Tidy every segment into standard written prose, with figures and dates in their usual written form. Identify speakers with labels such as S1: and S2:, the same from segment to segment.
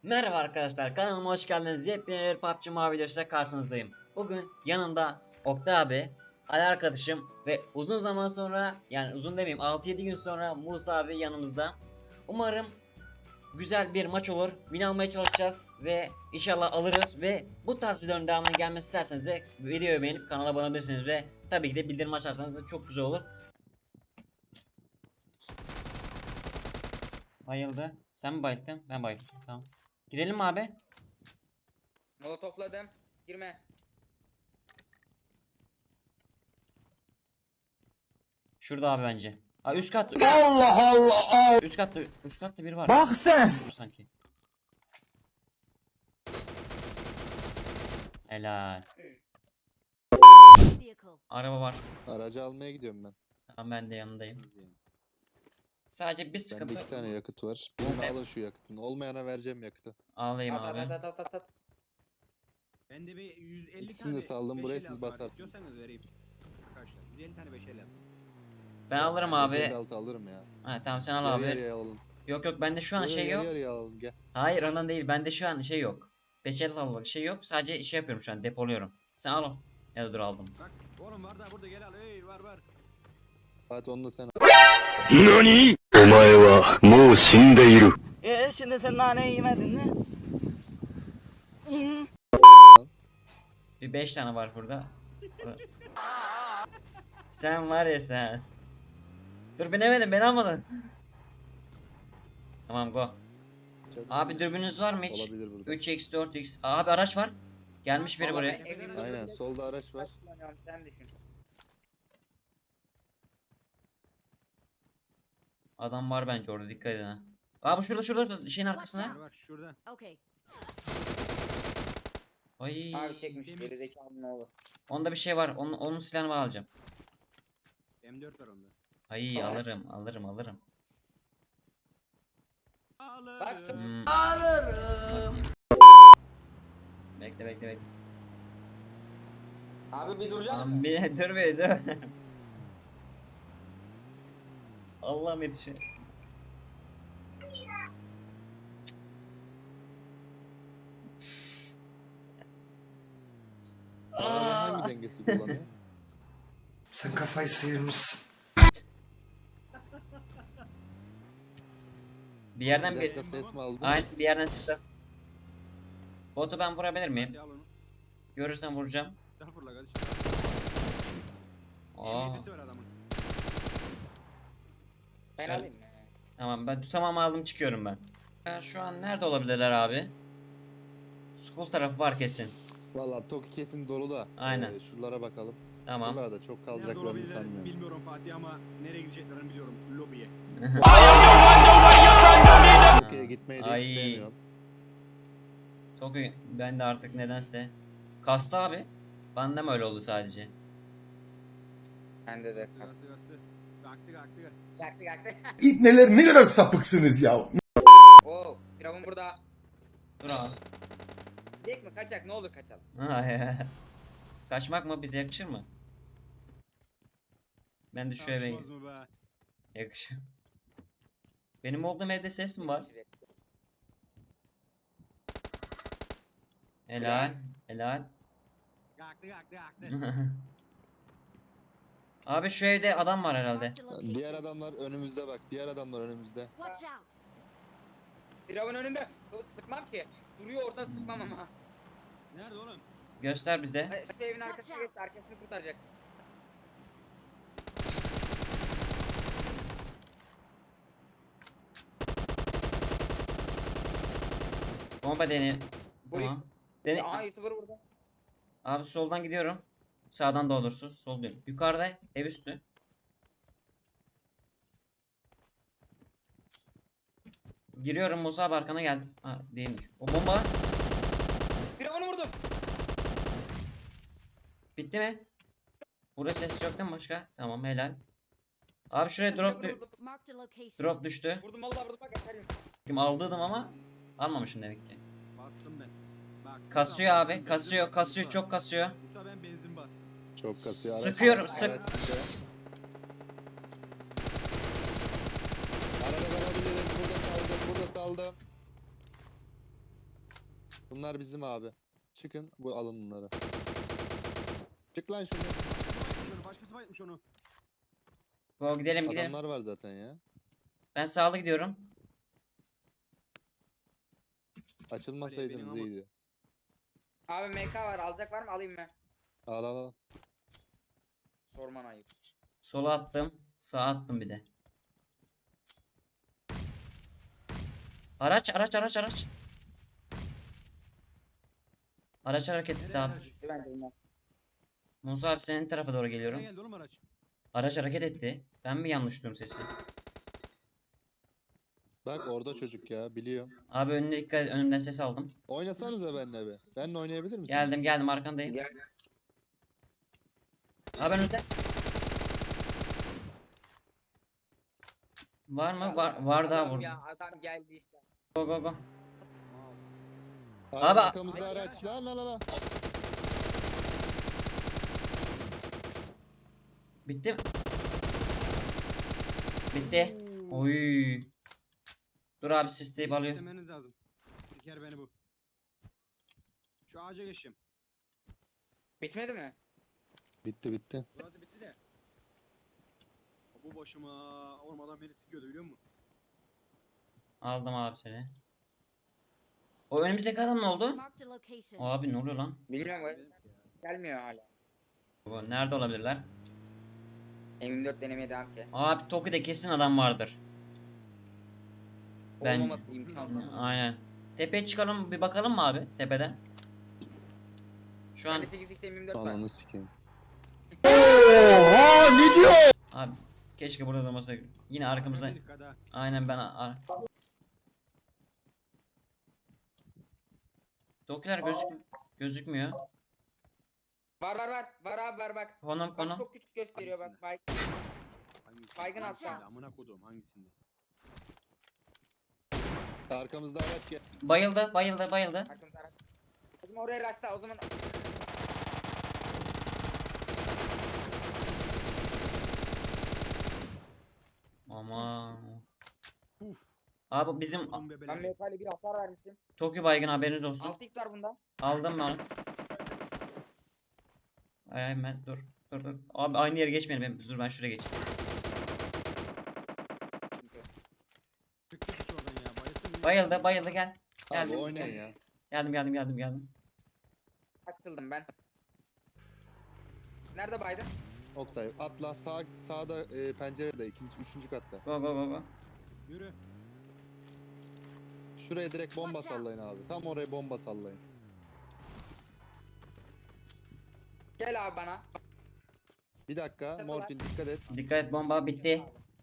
S1: Merhaba arkadaşlar, kanalıma hoş geldiniz. Yepyeni bir PUBG Mobile videosuyla karşınızdayım. Bugün yanımda Oktay abi, Ali arkadaşım ve uzun zaman sonra, yani uzun demeyeyim, 6-7 gün sonra Musa abi yanımızda. Umarım güzel bir maç olur. Win almaya çalışacağız ve inşallah alırız. Ve bu tarz videoların devamının gelmesi isterseniz de videoyu beğenip kanala abone olabilirsiniz ve tabii ki de bildirim açarsanız da çok güzel olur. Bayıldı. Sen mi bayıldın? Ben bayıldım. Tamam. Girelim mi abi?
S2: Molotofladım. Girme.
S1: Şurada abi bence. Aa, üst kat.
S3: Allah Allah.
S1: Üst katta biri var.
S3: Bak sen.
S1: Sanki. Helal. Araba var.
S4: Aracı almaya gidiyorum ben.
S1: Tamam, ben de yanındayım. Sadece bir
S4: Bende
S1: sıkıntı.
S4: 2 tane yakıt var. Birini alın şu yakıtını. Olmayana vereceğim yakıtı.
S1: Ağlayayım
S2: At at
S1: abi.
S2: at at at at.
S5: Ben de bir 150
S4: İkisini de
S5: tane
S4: saldım, buraya
S5: 556
S4: siz
S5: var.
S4: basarsınız.
S5: İstiyorsanız vereyim. Arkadaşlar 150 tane 556.
S1: Ben alırım abi.
S4: 56 alırım ya.
S1: Ha, tamam sen al
S4: Yarı
S1: abi.
S4: yarıya alalım.
S1: Yok yok, bende şu an
S4: Yo, yo,
S1: şey
S4: yarı
S1: yok.
S4: yarıya alalım gel.
S1: Hayır, ondan değil. Bende şu an şey yok. 556'lık şey yok. Sadece şey yapıyorum şu an, depoluyorum. Sen al o. Ya da dur, aldım.
S5: Bak oğlum var da burada gel al. Hey var.
S4: Fatih onu da sen al.
S3: 何お前はもう死んでいる。
S6: Şimdi sen nane yemedin mi?
S1: Bir 5 tane var burada. Sen var ya sen. Dur, binemedim, beni almadın. Tamam, go. Abi dürbününüz var mı hiç?
S4: Olabilir burada.
S1: 3x 4x. Abi araç var. Gelmiş biri
S2: Vallahi
S1: buraya.
S2: ben evimde
S4: Aynen
S2: böyle
S4: solda araç var.
S2: kullanıyorum, sen düşün.
S1: Adam var bence orada, dikkat edin ha. Abi şurada şeyin arkasında.
S5: Var şurada.
S7: Okay.
S1: Ay.
S2: Abi çekmiş gerizekalı ne olur.
S1: Onda bir şey var. Onun silahını ben alacağım.
S5: M4 var onda.
S1: Ay, alırım.
S5: Alırım.
S1: Bakayım. Bekle.
S2: Abi bir duracak
S1: Tamam,
S2: mısın?
S1: dur. Allah'ım yetişiyor.
S4: Arabanın hangi dengesi kullanıyor?
S3: Sen kafayı sıyırmışsın.
S1: Bir yerden
S4: Bir
S1: bir...
S4: dakika ses mi aldın?
S1: Aynen, bir yerden sıktı. Botu ben vurabilir miyim?
S5: Hadi al onu.
S1: Görürsem vuracağım.
S5: Daha fırla kardeşim.
S1: Aa,
S5: M7'si var adamın.
S2: Ben
S1: Şöyle-
S2: alayım mı?
S1: tamam, ben tutamam, aldım, çıkıyorum ben. Ya şu an nerede olabilirler abi? School tarafı var kesin.
S4: Valla Toki kesin dolu da.
S1: Aynen.
S4: Şuralara bakalım.
S1: Tamam.
S4: Şuralarda çok
S5: Nerede
S4: kalacaklarını
S5: olabilirler
S4: sanmıyorum.
S5: bilmiyorum Fatih ama nereye gideceklerini biliyorum. Lobiye.
S4: Toki'ye gitmeyi de
S1: Ay.
S4: istemiyorum.
S1: Çok iyi. Ben de artık nedense kastı abi. Bende mi öyle oldu sadece?
S2: Bende de kas.
S5: Gastı. Kalktı.
S2: Çaktı.
S3: İbneler ne kadar sapıksınız ya.
S2: Oo, Firavun burada.
S1: Dur abi.
S2: Gidecek mi? Kaçak, ne olur kaçalım.
S1: Kaçmak mı bize yakışır mı? Ben de şu eve
S5: Tartışmaz mı be?
S1: yakışır. Benim olduğum evde ses mi var? Helal.
S5: Kalktı.
S1: Abi şu evde adam var herhalde.
S7: Marked a location.
S4: Diğer adamlar önümüzde bak. Diğer adamlar önümüzde.
S7: Watch out.
S2: Firavun önünde. Sıkmam ki. Duruyor orada, sıkmam ama.
S5: Nerede oğlum?
S1: Göster bize.
S2: Hadi, şu evin arkasına geç, arkasını kurtaracak.
S1: Bomba dene.
S2: Burayı-
S1: Tamam. Dene.
S2: Aa, YouTuber burada.
S1: Abi soldan gidiyorum. Sağdan da olursun. Sol diyorum. Yukarıda ev üstü. Giriyorum, Musa abi arkana geldim. Ha, değilmiş. O bomba
S2: Firavun'u vurdum.
S1: bitti mi? Burada ses yok değil mi başka? Tamam, helal. Abi şuraya drop
S7: Marked a location.
S1: drop düştü.
S2: Vurdum vallahi vurdum, bak yeter.
S1: Kim aldıydım ama almamışım demek ki.
S5: Bastım ben. Bak.
S1: Kasıyor abi. Kasıyor, çok kasıyor.
S5: Musa ben benzin bastım.
S4: Çok kasıyor. Araç-
S1: Sıkıyorum,
S4: araç
S1: sık.
S4: sizde. Arada kalabiliriz. Burada saldım. Bunlar bizim abi. Çıkın bu alın bunları. Çık lan şunu.
S5: Başkası bayılmış onu.
S1: Go gidelim gidelim.
S4: Adamlar var zaten ya.
S1: Ben sağlı gidiyorum.
S4: Açılmasaydınız
S5: Hadi,
S4: iyiydi.
S2: Abi MK var, alacak var mı? Alayım mı?
S4: Al al al.
S2: Sorman ayıp.
S1: Sola attım. Sağa attım bir de. Araç. Araç hareket etti
S5: Nereye
S1: abi.
S5: araç?
S2: Bence bunlar.
S1: Musa abi senin tarafa doğru geliyorum.
S5: Nereye geldi oğlum araç?
S1: Araç hareket etti. Ben mi yanlış duyuyorum sesi?
S4: Bak orada çocuk ya biliyor.
S1: Abi önüne dikkat et. Önümden ses aldım.
S4: Oynasanıza benimle be. Benimle oynayabilir misiniz?
S1: Geldim arkandayım.
S2: Gel.
S1: Abi önünde. Var mı? Var daha
S2: Adam
S1: vurdu.
S2: ya, adam geldi işte.
S1: Go.
S4: Abi,
S1: Abi-
S4: arkamızda araç. Lan lan lan, lan.
S1: Bitti mi? Bitti. Oy. Dur abi sisleyip alıyorum.
S5: İstemeniz lazım. Siker beni bu. Şu ağaca geçeyim.
S2: Bitmedi mi?
S4: Bitti.
S5: Burası bitti de. Bu başıma ormadan beni sıkıyordu biliyor musun?
S1: Aldım abi seni. O önümüzdeki adam ne oldu?
S7: Marked a location.
S1: Abi ne oluyor lan?
S2: Bilmiyorum.
S5: Benim ya.
S2: Gelmiyor hala.
S1: Bu nerede olabilirler?
S2: M24 denemeye devam ki.
S1: Abi Toki'de kesin adam vardır. Ben-
S2: Olmaması imkansız.
S1: Aynen. Tepeye çıkalım bir bakalım mı abi tepeden? Şu an
S2: Bende 8 işte M24 var.
S4: Ananı sikeyim.
S1: abi keşke burada durmasa. Yine arkamızdan.
S5: Dikkat ha.
S1: Aynen ben Tokiler gözükmüyor.
S2: Var abi var bak.
S1: Konum
S2: Bak çok küçük gösteriyor bak.
S5: Hangisinde?
S2: Baygın
S7: Watch
S2: altta.
S7: out.
S5: Amına kodum hangisinde?
S4: Arkamızda araç gel.
S1: Bayıldı.
S2: Arkamda araç. O zaman oraya raşla o zaman.
S1: Aman.
S5: Uf.
S1: Abi bizim
S5: Kodum
S2: Ben
S5: bebeler.
S2: MK ile bir hasar vermiştim.
S1: Tokyo baygın haberiniz olsun.
S2: 6x var bunda.
S1: Aldım ben onu. Ay hemen dur. Abi aynı yere geçmeyelim. Dur ben şuraya geçeyim.
S5: Çıktı hiç oradan ya. Bayılsın beni.
S1: Bayıldı gel.
S4: Abi
S1: Geldim.
S4: oynayın ya.
S1: Geldim.
S2: Açıldım ben. Nerede Biden?
S4: Oktay atla sağda pencerede üçüncü katta.
S1: Go.
S5: Yürü.
S4: Şuraya direkt bomba
S7: Watch out.
S4: sallayın abi. Tam oraya bomba sallayın.
S2: Gel abi bana.
S4: Bir dakika morfin dikkat et.
S1: Dikkat et bomba bitti.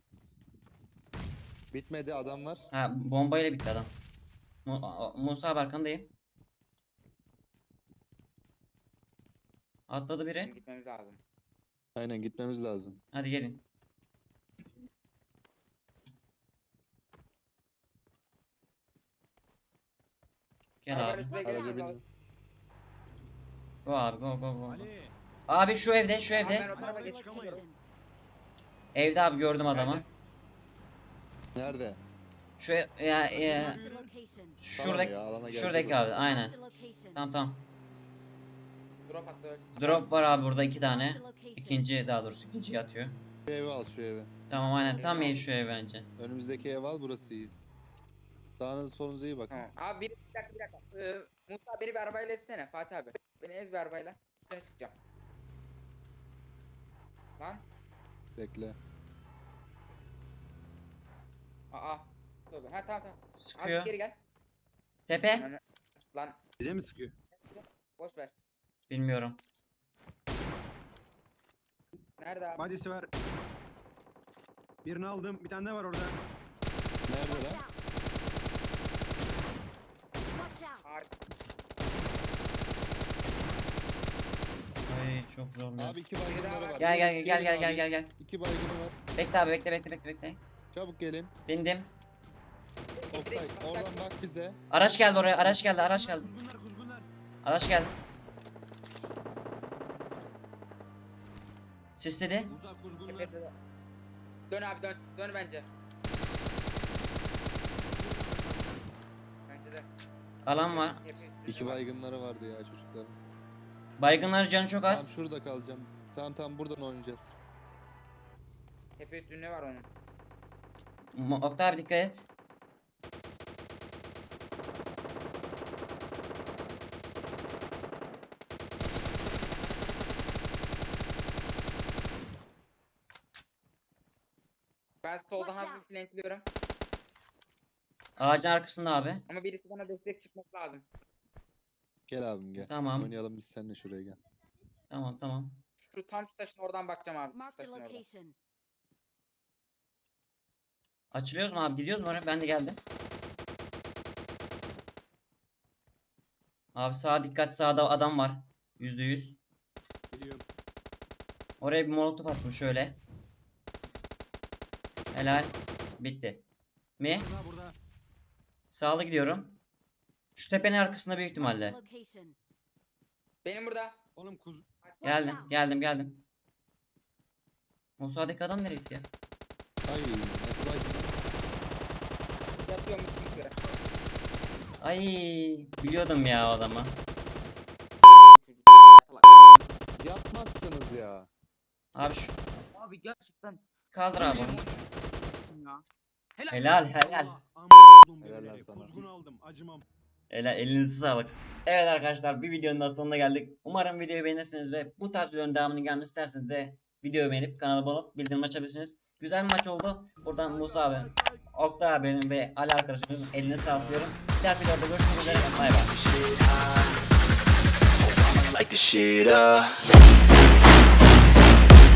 S4: Bitmedi adam var.
S1: Ha bombayla bitti adam. Musa abi arkandayım. Atladı
S2: Bizim
S1: biri.
S2: gitmemiz lazım.
S4: Aynen gitmemiz lazım.
S1: Hadi gelin. Gel
S2: Arabayla
S1: abi.
S2: şuraya
S4: Araca
S2: geçelim.
S4: binin.
S1: Go abi go.
S5: Ali.
S1: Abi şu evde
S2: Tamam, ben o tarafa
S7: Marked a
S2: geçiyorum.
S7: location.
S1: Evde abi gördüm adamı.
S2: Nerede?
S4: Nerede?
S1: Şu ya
S7: Marked a location.
S1: şuradaki
S4: ya, alana geldi
S1: şuradaki
S4: bu.
S1: abi aynen.
S7: Marked a location.
S1: Tamam.
S2: Drop attı öyle.
S1: Drop var abi burada 2 tane.
S7: Marked a location.
S1: İkinciyi atıyor.
S4: Şu evi al şu evi.
S1: Tamam aynen tam ev şu ev bence.
S4: Önümüzdeki ev al burası iyi. Sağınız solunuza iyi bakın.
S2: Tamam. Abi bir dakika. Musa beni bir arabayla ezsene Fatih abi. Beni ez bir arabayla. Üstüne çıkacağım. Lan.
S4: Bekle.
S2: Aa. Tövbe. Ha tamam.
S1: Sıkıyor.
S2: Az geri gel.
S1: Tepe?
S2: Lan
S5: Bize mi sıkıyor?
S2: boş ver.
S1: Bilmiyorum.
S2: Nerede abi?
S5: Badisi var. Birini aldım. Bir tane daha var orada.
S4: Nerede
S7: Watch
S4: lan?
S7: out. Watch out.
S2: Harika.
S1: Ay çok zor lan.
S4: Abi iki baygınları var.
S1: Gel
S4: Gelin abi.
S1: gel.
S4: İki baygını var.
S1: Bekle abi bekle.
S4: Çabuk gelin.
S1: Bindim.
S4: Oktay oradan bak bize.
S1: Araç geldi oraya. Araç geldi.
S5: Kuzgunlar.
S1: Araç geldi. Sisledi.
S5: Uzak kuzgunlar.
S2: Tepede. Dön abi dön. Dön bence. Bence de.
S1: Alan var.
S2: Tepe üstü.
S4: İki baygınları vardı ya çocukların.
S1: Baygınlar canı çok
S4: Tamam
S1: az.
S4: şurada kalacağım. Tamam buradan oynayacağız.
S2: Tepe üstünde var onun.
S1: Oktay abi dikkat et.
S2: Ben soldan
S7: Watch
S2: hafif
S7: out.
S2: flankliyorum.
S1: Ağacın arkasında abi.
S2: Ama birisi bana destek çıkması lazım.
S4: Gel abim gel.
S1: Tamam.
S4: Oynayalım biz seninle şuraya gel.
S1: Tamam.
S2: Şu taşın oradan bakacağım abi. Şu
S7: Marked a
S2: taşın oradan.
S7: location.
S1: Açılıyoruz mu abi? Gidiyoruz mu oraya? Ben de geldim. Abi sağa dikkat, sağda adam var. %100.
S5: Geliyorum.
S1: Oraya bir molotof attım şöyle. Helal. Bitti. Mi?
S5: Burada.
S1: Sağlı gidiyorum. Şu tepenin arkasında büyük
S7: Marked a
S1: ihtimalle.
S7: location.
S2: Benim burada.
S5: Oğlum
S7: Watch out.
S1: Geldim. O sağdaki adam nereye gitti ya?
S4: Ay nasıl baygın?
S2: Yatıyorum için yukarı.
S1: Ay biliyordum ya o adamı.
S4: Yapmazsınız ya.
S1: Abi şu
S2: Abi gerçekten.
S1: kaldır abi onu.
S2: Ya.
S1: Helal.
S4: Helal lan sana.
S5: Kuzgun aldım. Acımam.
S1: Elinize sağlık. Evet arkadaşlar bir videonun daha sonuna geldik. Umarım videoyu beğenirsiniz ve bu tarz videoların devamını gelmesini isterseniz de videoyu beğenip kanala abone olup bildirim açabilirsiniz. Güzel bir maç oldu. Buradan Musa abi, Oktay abinin ve Ali arkadaşımızın eline sağlık diyorum. Bir dahaki videoda görüşmek üzere. Bay bay.
S3: Like the shit up.